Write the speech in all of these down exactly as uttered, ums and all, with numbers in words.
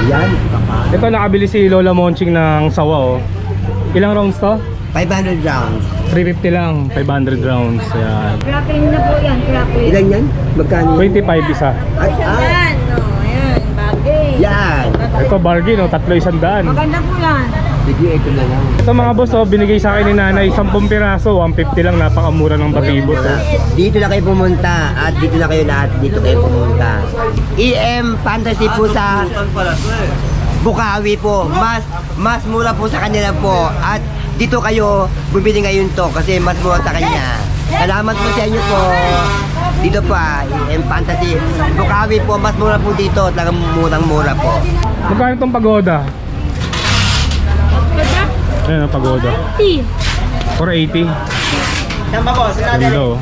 Yan. Ito nakabili si Lola Monching ng sawa oh. Ilang rounds to? five hundred rounds. three fifty lang, five hundred rounds. Ayan. Cracking na po yan, cracking. Ilan yan? Magkano? twenty-five isa. Ay, ah. Yan, no, ayan, bagay. Yan. Ito bargain oh, tatlo isang daan. Maganda po yan. Bigyan ito na lang. Ito mga boss oh, binigay sa akin ni nanay ten piraso, one fifty lang, napakamura ng batibot oh. Dito na kayo pumunta at dito na kayo lahat. Dito kayo pumunta. E M Fantasy po sa Bukawi po. Mas mas mura po sa kanila po. At dito kayo bumili ngayon to kasi mas mura sa kanya. Salamat po sa inyo po. Dito pa, E M Fantasy. Bukawi po, mas mura po dito. Talagang murang-mura po. Magkano itong pagoda? Ayan ang pagoda. four eighty. Saan ba po? Hello.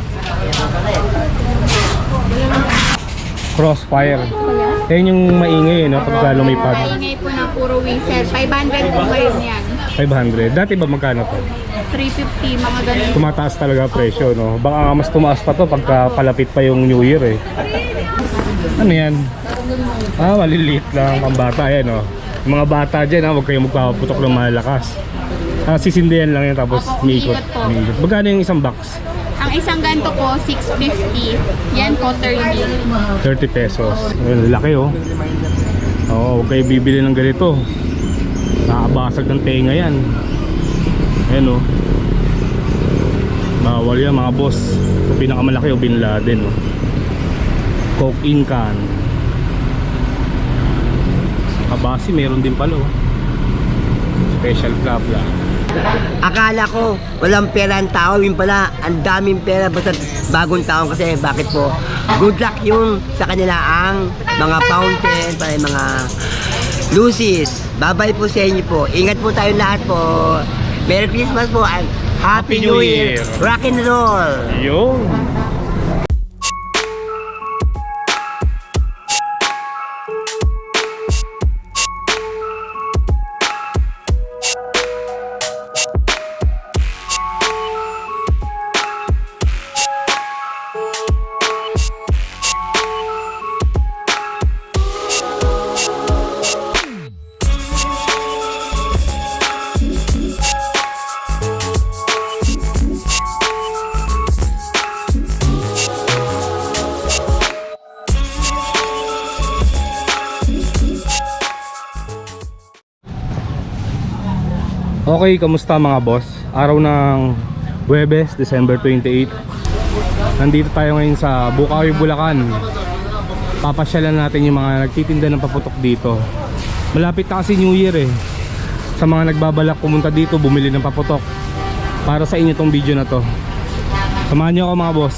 Crossfire. Yan yung maingay, no? Pagka lumipad. Maingay po na puro whistle. five hundred po ngayon yan. five hundred. Dati ba magkano to? three fifty, mga ganun. Tumataas talaga presyo, no? Baka nga mas tumaas pa to pagka palapit pa yung New Year, eh. Ano yan? Ah, maliliit lang. Ang bata, yan, no? Yung mga bata dyan, ha? Huwag kayong magpapaputok ng malakas. Ah, sisindihan lang yan, tapos Opo, umiikot. umiikot po. Umiikot. Magkano yung isang box? Ang isang ganto po, six fifty. Yan po, thirty. thirty pesos. Ayun, laki, oh. Oo, huwag kayo bibili ng ganito. Nakabasag ng tenga yan. Ayan, oh. Bawal yan, mga boss. Ito pinakamalaki, oh, Bin Laden, oh. Coke in can. Kabasi, meron din pala, oh. Special club lang. Akala ko walang pera ang tao, yun pala ang daming pera basta bagong taon kasi bakit po? Good luck yung sa kanila ang mga fountain, para mga lucis. Babay po sa inyo po. Ingat po tayo lahat po. Merry Christmas po and Happy, Happy New New Year. Year. Rock and roll. Yun. Okay, kamusta mga boss? Araw ng Huwebes, December twenty-eighth. Nandito tayo ngayon sa Bukawi, Bulacan. Papasyalan natin yung mga nagtitinda ng paputok dito. Malapit na kasi New Year, eh. Sa mga nagbabalak pumunta dito, bumili ng paputok. Para sa inyo tong video na to. Samahan niyo ako mga boss.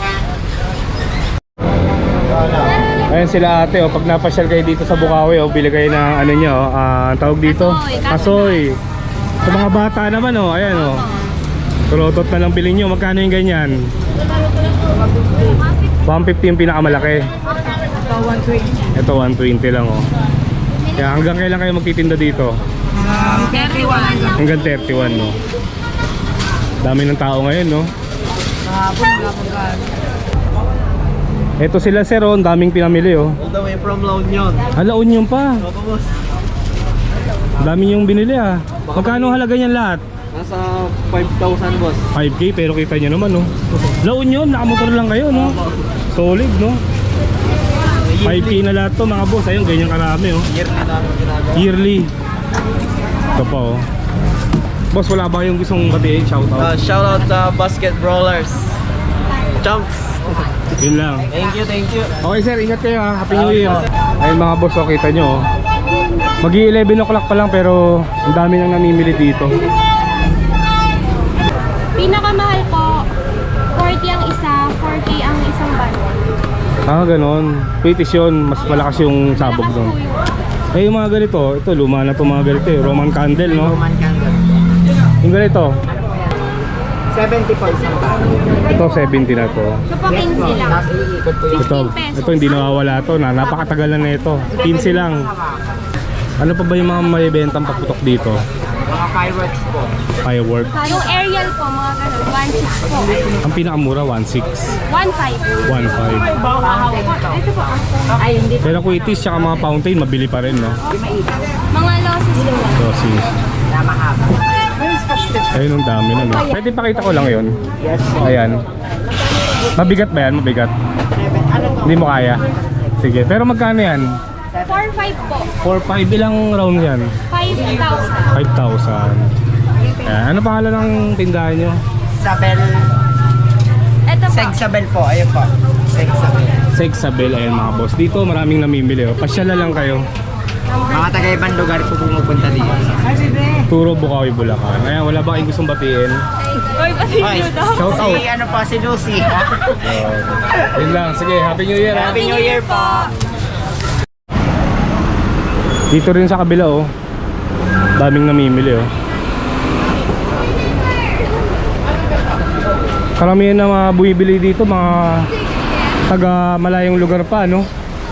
Ayan sila ate, oh. Pag napasyal kayo dito sa Bukawi, oh, bili kayo ng ano nyo, uh, tawag dito? Kasoy, Kasoy. Sa mga bata naman, oh, ayan, oh. Tulotot na lang bilhin nyo. Magkano yung ganyan? one fifty yung pinakamalaki. Ito one twenty lang, oh. Kaya hanggang kailan kayo magtitinda dito? thirty-one. Hanggang thirty-one, no? Dami ng tao ngayon, no? Ito sila, sir, oh. Ang daming pinamili, oh. All the way from La Union. Ah, La Union pa. Opo, boss. Dami yung binili, ah. Magkano halaga niyan lahat? Nasa five thousand, boss. five K, pero kita nyo naman, no? La Union, nakamotor lang kayo, no? Solid, no? five K na lahat to, mga boss. Ayun, ganyan karami, oh. Yearly namin ginagawa. Yearly. Ito pa, oh. Boss, wala ba yung gustong batiin? Shoutout. Uh, shout out sa Basket Brawlers. Chunks. Yun lang. Thank you, thank you. Okay, sir, ingat kayo, ha. Happy New Year. Ayun, mga boss, oh, kita nyo, oh. Magi eleven o'clock pa lang, pero ang dami nang namimili dito. Pinakamahal po, forty ang isa, four K ang isang bundle. Ah, ganon. British yun, mas malakas yung sabog Malakas doon. po yun. Eh, yung mga ganito, ito, luma na itong mga ganito, eh. Roman candle, no? Roman candle. Yung ganito, seventy po isang tao. ito, seventy na to. Ito po, quince lang. Tapos iikot po yung Ito, pesos. ito hindi nawawala to, na napakatagal na nito. quince lang. Ano pa ba yung mga may bentang paputok dito? Mga fireworks po. Firework. Yung aerial po, mga ganun, one six po. Ang pinakamura, one six. one five. one five. Ito po. Ay, hindi. Pero kung itis tsaka mga fountain, mabili pa rin, no? Mga losses po. So, si... Ayun, ang dami na, no? Pwede pakita ko lang yun. Yes. Ayan. Mabigat ba yan? Mabigat? Hindi mo kaya? Sige. Pero magkano yan? four five po. four five. Ilang round yan? five thousand. five thousand. Ayan. Ano pangalan ng tindahan nyo? Sabel. Ito po. Seg Sabel po. Ayun po. Seg Sabel. Seg Sabel. Ayan mga boss. Dito maraming namimili. Oh. Pasyala lang kayo. Mga taga-ibang lugar po pumupunta dito. Turo Bukawi, Bulacan. Ayan. Wala ba kayong gustong batiin? Oy, pati Ay, nyo daw. Shout out. si ano po, si Lucy. Oh. Yun lang. Sige. Happy New Year. ha? Happy New Year po. Dito rin sa kabila oh. Daming namimili oh. Karamihan na mga bumibili dito mga taga malayong lugar pa, no?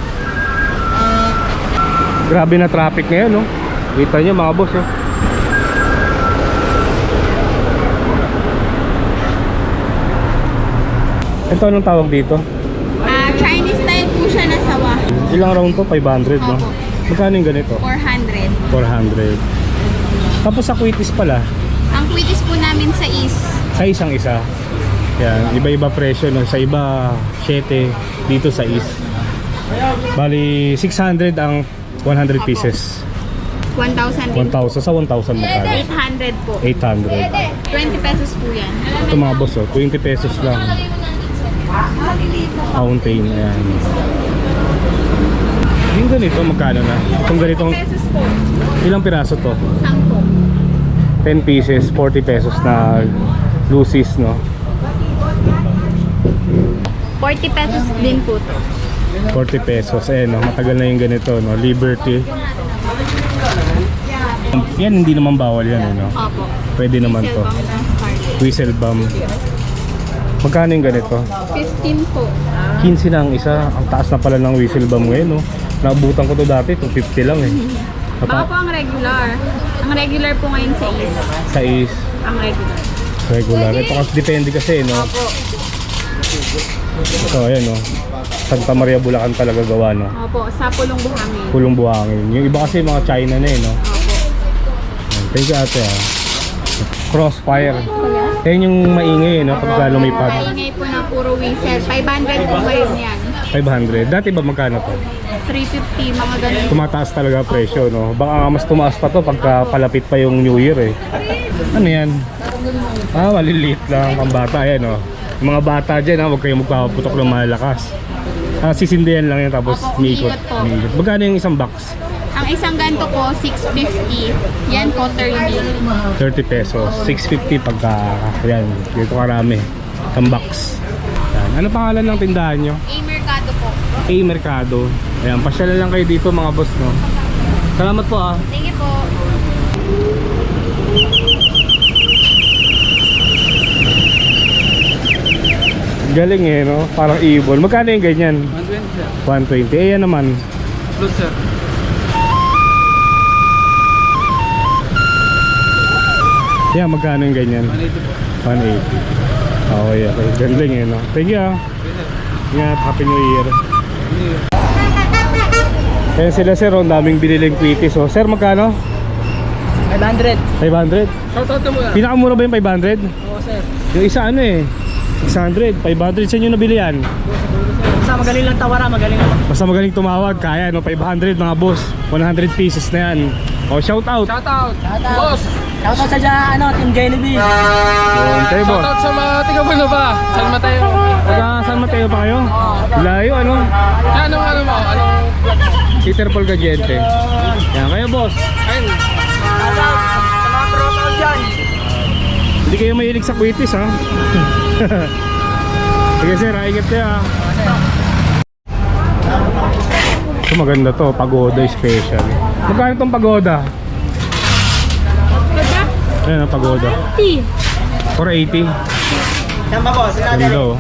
Grabe na traffic ngayon, no? Kita nyo mga boss, oh. Ito anong tawag dito? Ah, Chinese style po siya na sawa. Ilang round to? five hundred, no? Opo. Magkano yung ganito? four hundred. four hundred. Tapos sa Quitis pala, Ang quitis po namin sa is sa isang isa. Yan, iba-iba presyo, no? Sa iba seven, dito sa is. Bali six hundred ang one hundred pieces. one thousand one thousand sa one thousand magkano? eight hundred po. eight hundred. twenty pesos po yan. Ito mga boss, oh, twenty pesos lang. Fountain, ayan. Yung ganito, magkano na? Itong ganitong, pesos po. ilang piraso to? Sampo. ten pieces, forty pesos na lucis, no? forty pesos din po to. forty pesos, eh, no? Matagal na yung ganito, no? Liberty. Yan, hindi naman bawal yan, eh, no? Opo. Pwede naman to. Silbang ng Scarlet. Whistle bomb. Magkano yung ganito? fifteen po. fifteen na ang isa. Ang taas na pala ng whistle bomb ngayon, no? Naabutan ko to dati, two fifty lang, eh. Baka po ang regular. Ang regular po ngayon sa is. Sa is Ang regular. regular. Ito kasi depende kasi, no? Opo. So, ayan, no? Santa Maria, Bulacan talaga gawa, no? Opo. Sa Pulong Buhangin. Pulong buhangin. Yung iba kasi mga China na, eh, no? Opo. Thank you, ate, ah. Crossfire. Yan yung maingay, eh, no? Pagka lumipad. Kaingay po na puro whistle. five hundred po ngayon yan. five hundred. Dati ba magkano to? three fifty, mga ganun. Tumataas talaga presyo, no? Baka nga mas tumaas pa to pagka palapit pa yung New Year, eh. Ano yan? Ah, maliliit lang. Ang bata, yan, no? Yung mga bata dyan, ha? Huwag kayong magpapaputok ng malakas. Ah, sisindihan lang yan tapos Opo, umiikot. umiikot po. umiikot. Magkano yung isang box? Ang isang ganto po, six fifty. Yan po, thirty. thirty pesos. six fifty pagka, yan, dito karami. Isang box. Yan. Ano pangalan ng tindahan nyo? A Mercado po. A Mercado. Ayan, pasyalan lang kayo dito mga boss, no? Salamat po, ah. Sige po. Galing, eh, no? Parang ibon. Magkano yung ganyan? one twenty. Eh, yan naman. Good, sir. Yan, magkano yung ganyan? one eighty. Okay, okay. Galing, eh, no? Thank you, ah. Ingat, Happy New Year. Ayan sila, sir. Ang daming biniling quitis. Oh. Sir, magkano? five hundred. five hundred? Shoutout mo yan. Pinakamura ba yung five hundred? Oo, sir. Yung isa ano eh? six hundred, five hundred. Saan nyo nabili yan? Basta magaling lang tawara, magaling lang. Basta magaling tumawag, kaya no? five hundred mga boss. one hundred pieces na yan. O, shout out. Shoutout. Shoutout. Boss. Shoutout sa dyan, ano, Team Jollibee. Yun, kayo boss. Shoutout sa mga tiga-Buno ba? San Mateo. Taga San Mateo pa kayo? Layo ano? Yan, anong ano mo? Anong... Peter Paul Gadiente. Yan, kayo boss. Ayun. Shoutout sa mga tropa ko dyan. Hindi kayo mahilig sa quitis ha? Sige sir, ingat kayo ha. Ito maganda to, pagoda special. Magkano itong pagoda? Ayan ang pagoda. four eighty. Yan ba, boss? Ganda oh.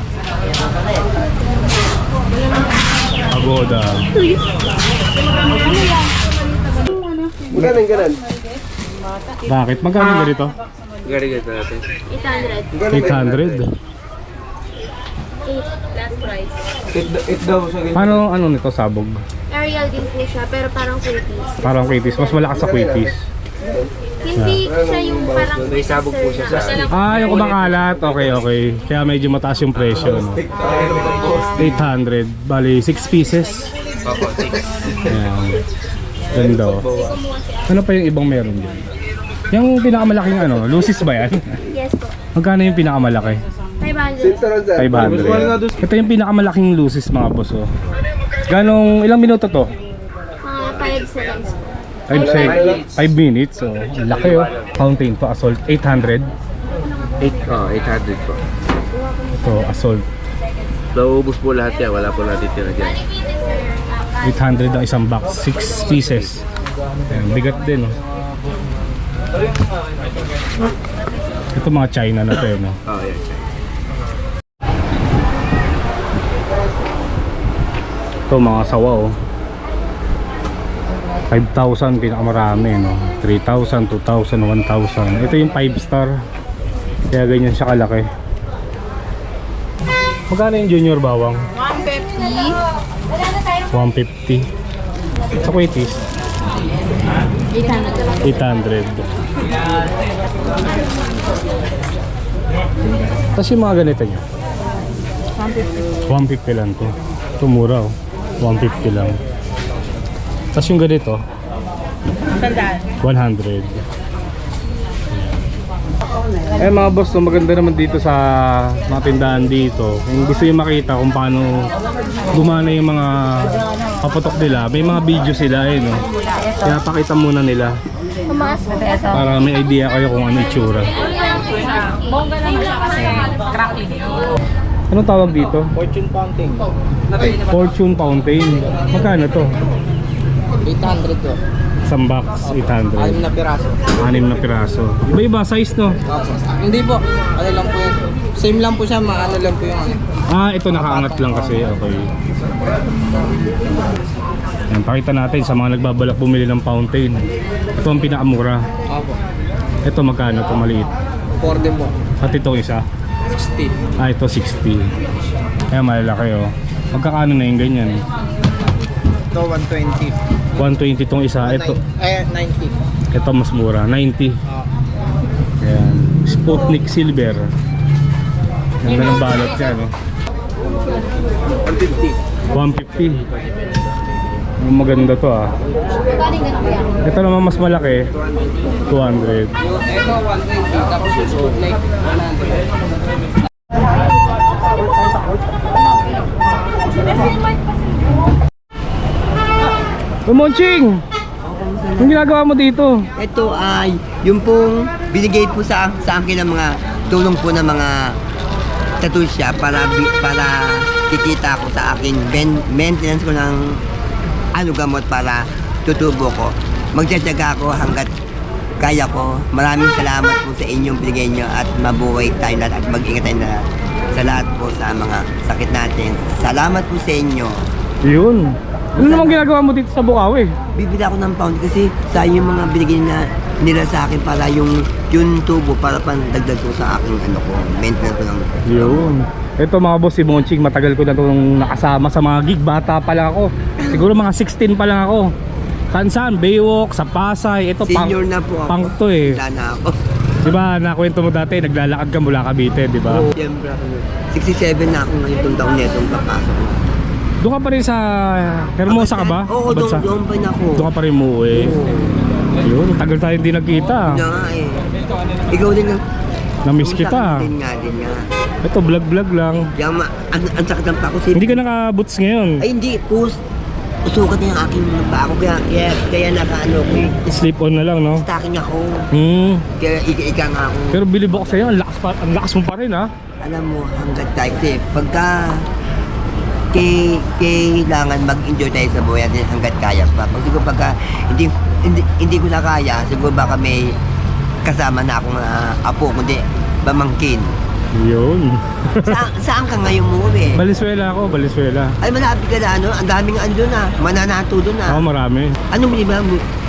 Pagoda. Ganun, ganun. Bakit? Magkano ba dito? eight hundred. eight hundred. eight last price. Paano ano nito sabog? Ariel din po siya, pero parang quickies. Parang quitis. Mas malakas sa quitis. Hindi siya yung parang may sabog po siya sa Ah, yung kumakalat. Okay, okay. Kaya medyo mataas yung presyo. No? eight hundred. Bali, six pieces. Ayan. Ganda. Oh. Ano pa yung ibang meron dyan? Yung pinakamalaking ano, Lucis ba yan? Yes po. Magkano yung pinakamalaki? five hundred. five hundred. Ito yung pinakamalaking Lucis mga boss. Oh. Ganong, ilang minuto to? Mga five seconds po. five minutes. So, ang laki oh. Fountain to, Assault. eight hundred. Oh, eight hundred po. Ito, Assault. Naubos po lahat yan. Wala po natin tira dyan. eight hundred ang isang box. six pieces. Ayan, bigat din oh. Ito mga China na to eh, no? Oh, yeah. Ito mga sawa oh. five thousand pinakamarami no. three thousand, two thousand, one thousand. Ito yung five star. Kaya ganyan siya kalaki. Magkano yung junior bawang? one fifty. one fifty. Sa Quatis? eight hundred. eight hundred. Tapos yung mga ganito nyo? one fifty. one fifty lang to. Ito mura oh. one fifty lang. Tapos yung ganito? Sandaan. one hundred. Eh mga boss, no, maganda naman dito sa mga tindahan dito. Kung gusto nyo makita kung paano gumana yung mga paputok nila, may mga video sila eh no. Kaya pakita muna nila Tumaas po. para may idea kayo kung ano itsura. Bongga naman siya kasi crackling. Anong tawag dito? Fortune Fountain. Fortune Fountain. Magkano to? eight hundred po. Isang box, eight hundred. Anim na piraso. Anim na piraso. Iba-iba size no? Opo. Hindi po. Ano lang po yun. Same lang po siya. Maano lang po yung ano. Ah, ito nakaangat lang kasi. Okay. Yan, pakita natin sa mga nagbabalak bumili ng fountain. Ito ang pinakamura. Opo. Ito magkano ito maliit? four din po. At itong isa? sixty. Ah, ito sixty. Kaya malalaki oh. Magkakano na yung ganyan? Ito one twenty. one twenty itong isa. Ito, Eh, ninety. ito mas mura. ninety. Oh. Ayan. Sputnik Silver. Ganda ng balot niya no? one fifty. one fifty. Maganda to ah. Galing ganun po yan. Ito naman mas malaki. two hundred. Yung ito one twenty. Tapos yung Sputnik one hundred. Monching! Anong ginagawa mo dito? Ito ay yung pong binigay po sa sa akin ng mga tulong po ng mga tatusya para bi- para kikita ko sa akin ben, maintenance ko ng ano gamot para tutubo ko. Magtsatsaga ako hanggat kaya ko. Maraming salamat po sa inyong binigay nyo at mabuhay tayo lahat at mag-ingat tayo lahat sa lahat po sa mga sakit natin. Salamat po sa inyo. Yun. Ano naman ginagawa mo dito sa Bukawi? Bibili ako ng pound kasi sa yung mga binigay na nila sa akin para yung yung tubo para pandagdag ko sa aking ano ko, maintenance ko ng Yun. Ito mga boss, si Monching, matagal ko na itong nakasama sa mga gig. Bata pa lang ako. Siguro mga sixteen pa lang ako. Saan saan? Baywalk, sa Pasay. Ito pang, senior na po ako. pang to eh. Wala na ako. Diba, nakwento mo dati, naglalakad ka mula Cavite, diba? Oh, siyempre ako. sixty-seven na ako ngayon itong taon na itong papasok. Doon ka pa rin sa Hermosa ka ba? Oo, doon, Bansa? doon pa na ako. Doon ka pa rin umuwi. Yun, tagal tayo hindi nagkita. Yun na nga eh. Ikaw din ang... Na-miss kita. Din nga, din nga. Ito, vlog-vlog lang. Yung ma... Ang, ang sakit ng pa ko. Si... Hindi ka naka-boots ngayon. Ay, hindi. Pus... Usukat na yung aking pa ako. Kaya, kaya, kaya naka-ano ko eh. Slip on na lang, no? Stacking ako. Hmm. Kaya ika-ika nga ako. Pero bilib ako sa'yo, ang lakas, pa, ang lakas mo pa rin, ha? Alam mo, hanggat tayo kasi pagka kay, kailangan mag-enjoy tayo sa buhay natin hanggat kaya pa. Pag siguro pagka hindi, hindi, hindi ko na kaya, siguro baka may kasama na akong uh, apo, kundi pamangkin. Yun. Sa, saan ka ngayon umuwi? Valenzuela ako, Valenzuela. Ay, malapit ka na ano, ang daming ano doon ah, mananato doon ah. Ako marami. Anong di ba,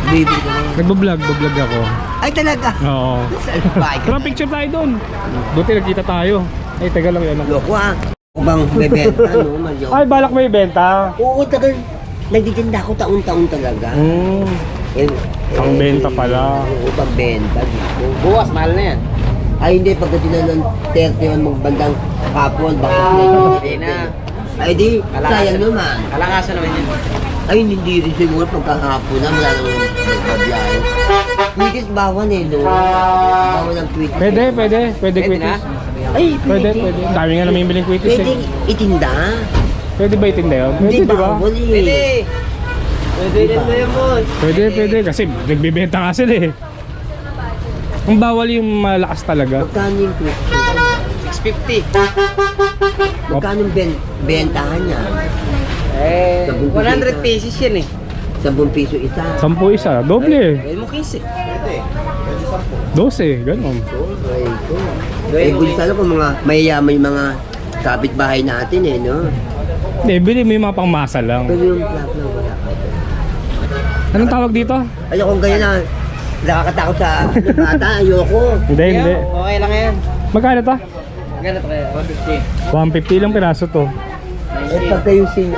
Bibili ko na yan. Nagbablog, bablog ako. Ay, talaga? Oo. Salbay ka Tara, na. picture tayo doon. Buti nagkita tayo. Ay, taga lang yan. Loko ah. Ako bang bebenta, no? Malyo. Ay, balak may benta. Oo, tagal. Nagtitinda ako taon-taon talaga. Hmm. Eh, Ang benta pala. Oo, pagbenta dito. Bukas, mahal na yan. Ay, hindi. Pagdating na ng thirty man magbandang hapon, baka Hindi na. Ay, di. Sayang naman. Kalakasan naman yan. Ay, hindi rin siguro pagkahapon na. Wala naman magbabiyahe. Kwitis bawan eh, no? Bawan ng kwitis. Pwede, pwede. Pwede Pwede quitis. na? Ay, Pwede, pwede. Ang dami nga namimiling quitis Pwede eh. itinda. Pwede ba itinda yun? Pwede, Hindi di ba? bawal eh. Pwede. Pwede rin na yan, boss. Pwede, pwede. Kasi nagbibenta nga sila eh. Ang bawal yung malakas talaga. Magkano yung kwitis? six fifty. Magkano yung ben bentahan niya? Eh, one hundred pesos yan eh. Sampung piso isa. Sampu isa. Doble eh. Pwede mo quince. Pwede. Dose, ganun. Ay, ko. Eh, kung sana kung mga mayayaman yung mga kapitbahay natin eh, no? Hindi, bili mo yung mga pangmasa lang. Pero yung plak na wala ka. Anong tawag dito? Ayokong ganyan na nakakatakot sa ano, bata, ayoko. Hindi, hindi. Okay lang yan. Magkano to? Ganito kaya, one fifty. one fifty lang piraso to. Eh, pagka yung sin...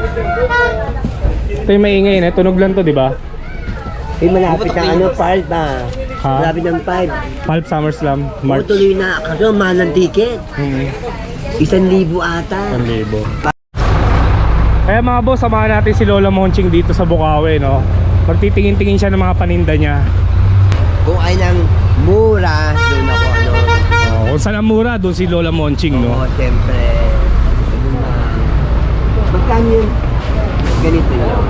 Ito yung maingay na. Tunog lang to, di ba? Eh, malapit ang ano, five ba? Ha? Malapit ng five. Pulp Summer Slam, Oo, March. tuloy na. Kaso, mahal ng ticket. Hmm, Isang libo ata. one libo. Kaya mga boss, samahan natin si Lola Monching dito sa Bukawi, no? Magtitingin-tingin siya ng mga paninda niya. Kung ay nang mura, doon ako ano. Oh, kung saan ang mura, doon si Lola Monching, no? Oo, siyempre. Ano na. Magkano yun? Ganito yun.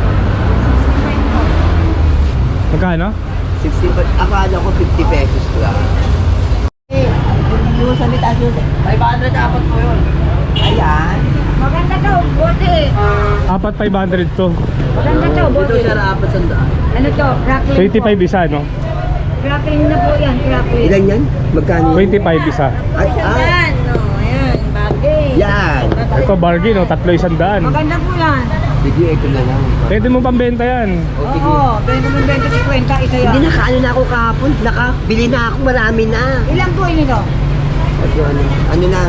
Magkano? sixty, but akala ko fifty pesos lang. Eh, yung sa mitas yun, five hundred apat po yun. Ayan. Maganda to, bote. Apat five hundred to. Maganda to, bote. Ito siya apat sandaan. Ano to? Crackling twenty-five isa, no? Crackling na po yan, crackling. Ilan yan? Magkano yun? twenty-five isa. At, ah, Yan, no, ayan, bagay. yan. Ito bargain, no? Tatlo isang daan. Maganda po yan. Sige, ito na lang. Pwede mo pambenta yan. O, sige. Oo, twenty mo twenty fifty, isa yan. Hindi nakaano na ako kahapon. Nakabili na ako, marami na. Ilan po yun ito? Ito, ano, ano lang.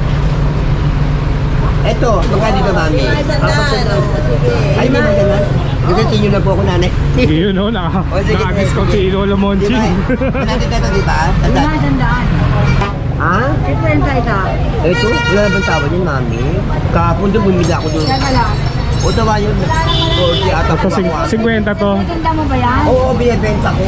Ito, magkano dito, mami? Apat sandaan. Ay, hindi maganda. Kasi sinyo na po ako, nanay. Yun, no? Naka, O, sige, naka-discount sige. si Lola Monching. Diba? Nandito ito, di ba? Lima, sandaan. Ha? fifty isa. Ito, wala na bang tawad yun, mami? Kahapon doon, bumili ako doon. Teka lang. O, tawa yun. forty ata Ito, po sing- ako. fifty to. Maganda mo ba yan? Oo, binibenta ko.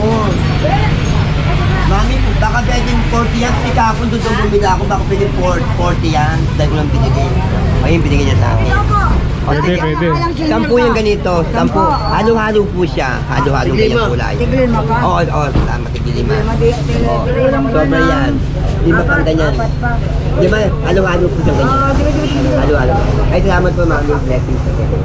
Mami, baka pwedeng forty yan. Kasi kahapon doon doon bumili ako, baka pwedeng forty yan. Dahil ko lang binigay. Ayun, binigay niya sa akin. O, Pwede, sige. pwede. Sampu yung ganito. Sampu. Halo-halo po siya. Halo-halo ganyan kulay. Tigil mo pa? Oo, oo. Salamat. Tigilima. Madi- tigil- Oo. tigil mo Sobra na. yan. Lima pang ganyan. Apat pa. Di ba? Halo-halo po siyang ganyan. Oo, tigil, tigil, tigil. Halo-halo. Ay, salamat po, mami. Blessings.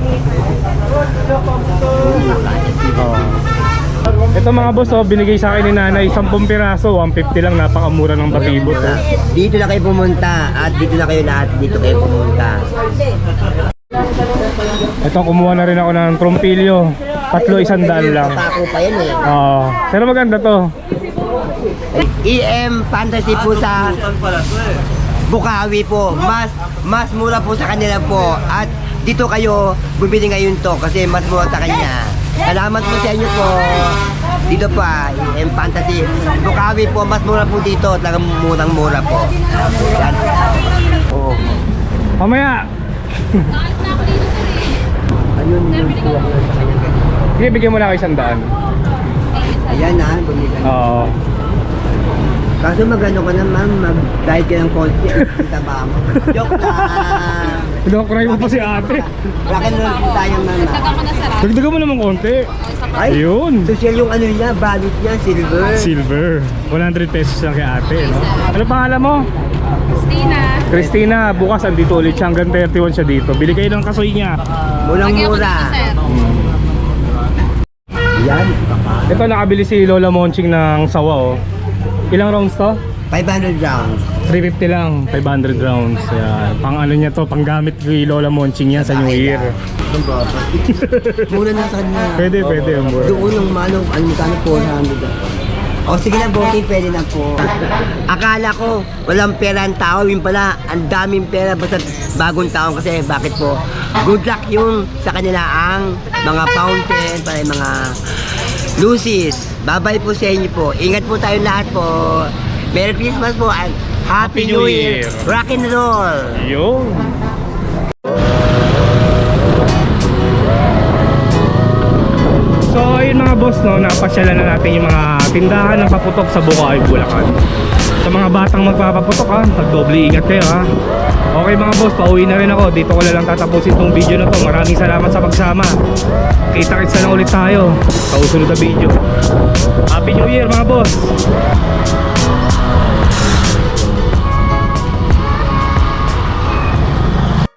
Oh. Ito mga boss, oh, binigay sa akin ni nanay ten piraso, one fifty lang, napakamura ng batibot. Oh. Dito na kayo pumunta at dito na kayo lahat. Dito kayo pumunta. Ito, kumuha na rin ako ng trompilyo. Tatlo isang daan lang. Papako pa yan eh. Oo. Pero maganda to. E M Fantasy po sa Bukawi po. Mas mas mura po sa kanila po. At dito kayo bumili ngayon to kasi mas mura sa kanya. Salamat po sa inyo po. Dito pa, E M Fantasy. Bukawi po, mas mura po dito. Talagang murang-mura po. Yan. Oo. Mamaya! Ayun yung kuha ko sa kanya. Sige, bigyan mo na ako isang daan. Ayan na, bumili ka. Oo. Kaso magano ka na ma'am, mag-diet ka ng konti. Kita ba mo? Joke lang. Pinakakry mo pa si ate. Bakit naman po tayo ma'am? Dagdagan mo naman konti. Ay, Ayun. social yung ano niya, value niya, silver. Silver. one hundred pesos lang kay ate, no? Ano pangalan mo? Christina. Christina, bukas andito ulit siya. Hanggang thirty-one siya dito. Bili kayo ng kasoy niya. Mulang mura. Yan. Ito, nakabili si Lola Monching ng sawa, oh. Ilang rounds to? five hundred rounds. three fifty lang, five hundred rounds. Ayan. Pang ano niya to, pang gamit kay Lola Monching yan sa New Year. Itong baba. Muna na sa kanya. Pwede, pwede yung mura. Doon yung manong, ano magkano four hundred. O sige na, bossing, pwede na po. Akala ko, walang pera ang tao. Yun pala, ang daming pera. Basta bagong taon kasi, bakit po? Good luck yung sa kanila ang mga fountain, para yung mga Lucy's. Bye-bye po sa inyo po. Ingat po tayo lahat po. Merry Christmas po and Happy, Happy New New Year. Year. Rock and roll. Yun. So ayun mga boss, no, napasyalan na natin yung mga tindahan ng paputok sa Bukawi, Bulacan. Sa mga batang magpapaputok ha, magdoble ingat kayo ha. Okay mga boss, pauwi na rin ako. Dito ko na lang tatapusin tong video na to. Maraming salamat sa pagsama. Kita-kitsa na ulit tayo sa usunod na video. Happy New Year mga boss.